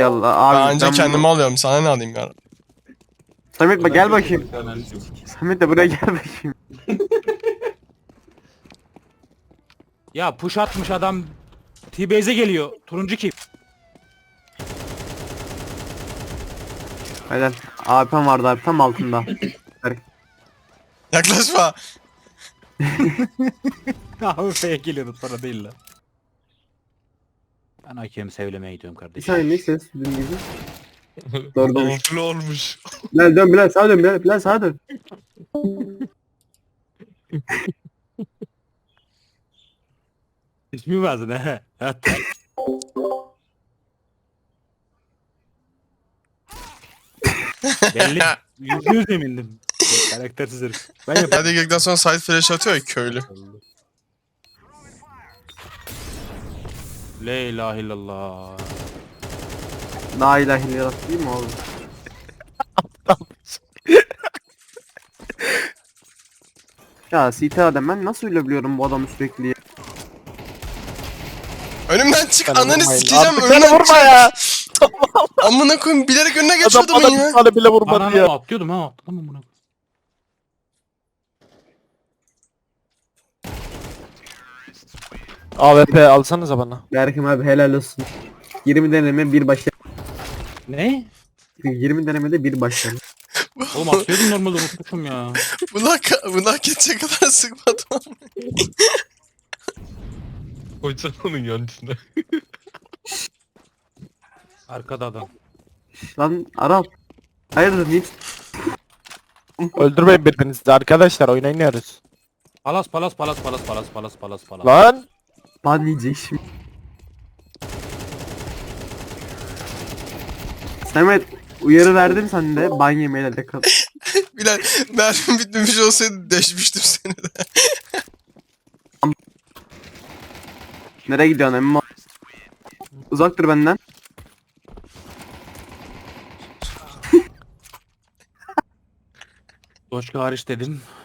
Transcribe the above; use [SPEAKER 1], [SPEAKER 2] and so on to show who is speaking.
[SPEAKER 1] Allah abi.
[SPEAKER 2] Bence
[SPEAKER 1] ben
[SPEAKER 2] kendimi
[SPEAKER 1] bunu-
[SPEAKER 2] alıyorum. Sana ne alayım ya?
[SPEAKER 1] Samet bak gel bakayım. Samet de buraya gel bakayım.
[SPEAKER 3] Ya push atmış adam. T-Base'e geliyor. Turuncu kim?
[SPEAKER 1] Helal. AP'm vardı abi tam altında.
[SPEAKER 2] Yaklaşma.
[SPEAKER 3] Abi F'ye geliyordu sonra değil lan. Ben hakemi sevlemeye gidiyorum
[SPEAKER 1] Bir
[SPEAKER 3] kardeşim.
[SPEAKER 1] saniye ne ses dün gibi. Doğru doğru.
[SPEAKER 2] Oflu olmuş.
[SPEAKER 1] Bilal dön Bilal sağa dön Bilal. Bilal sağa dön.
[SPEAKER 3] İsmi vardı ne? Evet. Belli. %100 emindim. Karaktersiz herif. Ben yaparım.
[SPEAKER 2] Hadi geldikten sonra side flash atıyor ya köylü.
[SPEAKER 3] La ilahe illallah.
[SPEAKER 1] La ilahe illallah değil mi oğlum? Ya CT adam ben nasıl ölebiliyorum bu adamı sürekli ya?
[SPEAKER 2] Önümden çık
[SPEAKER 4] Bana
[SPEAKER 2] ananı
[SPEAKER 4] vurmayın.
[SPEAKER 2] sikeceğim
[SPEAKER 4] Artık
[SPEAKER 2] önümden
[SPEAKER 4] beni vurma
[SPEAKER 2] çık.
[SPEAKER 4] ya.
[SPEAKER 2] Amına koyayım bilerek önüne
[SPEAKER 4] Adam
[SPEAKER 2] geçiyordum
[SPEAKER 4] bana
[SPEAKER 2] ya.
[SPEAKER 4] bir tane bile vurmadı
[SPEAKER 3] Ananı
[SPEAKER 4] ya.
[SPEAKER 3] atlıyordum ha. Atlamam bunu.
[SPEAKER 4] AWP alsanıza bana.
[SPEAKER 1] Berkim abi helal olsun. 20 deneme bir başarı.
[SPEAKER 3] Ne?
[SPEAKER 1] 20 denemede bir başarı.
[SPEAKER 3] Oğlum atlıyordum normalde unutmuşum ya.
[SPEAKER 2] Buna hak edecek kadar sıkmadım.
[SPEAKER 5] Koysana onun yancısına.
[SPEAKER 3] Arkada adam.
[SPEAKER 1] Lan Arap. Hayırdır niye?
[SPEAKER 4] Öldürmeyin birbirinizi arkadaşlar oyun oynuyoruz.
[SPEAKER 3] Palas.
[SPEAKER 4] Lan.
[SPEAKER 1] Ban yiyecek şimdi. Samet uyarı verdim sen de ban yemeyle alakalı.
[SPEAKER 2] Bilal mermim bitmemiş olsaydı deşmiştim seni de.
[SPEAKER 1] Nereye gidiyorsun emmi? Uzak dur benden.
[SPEAKER 3] Doşka hariç dedim.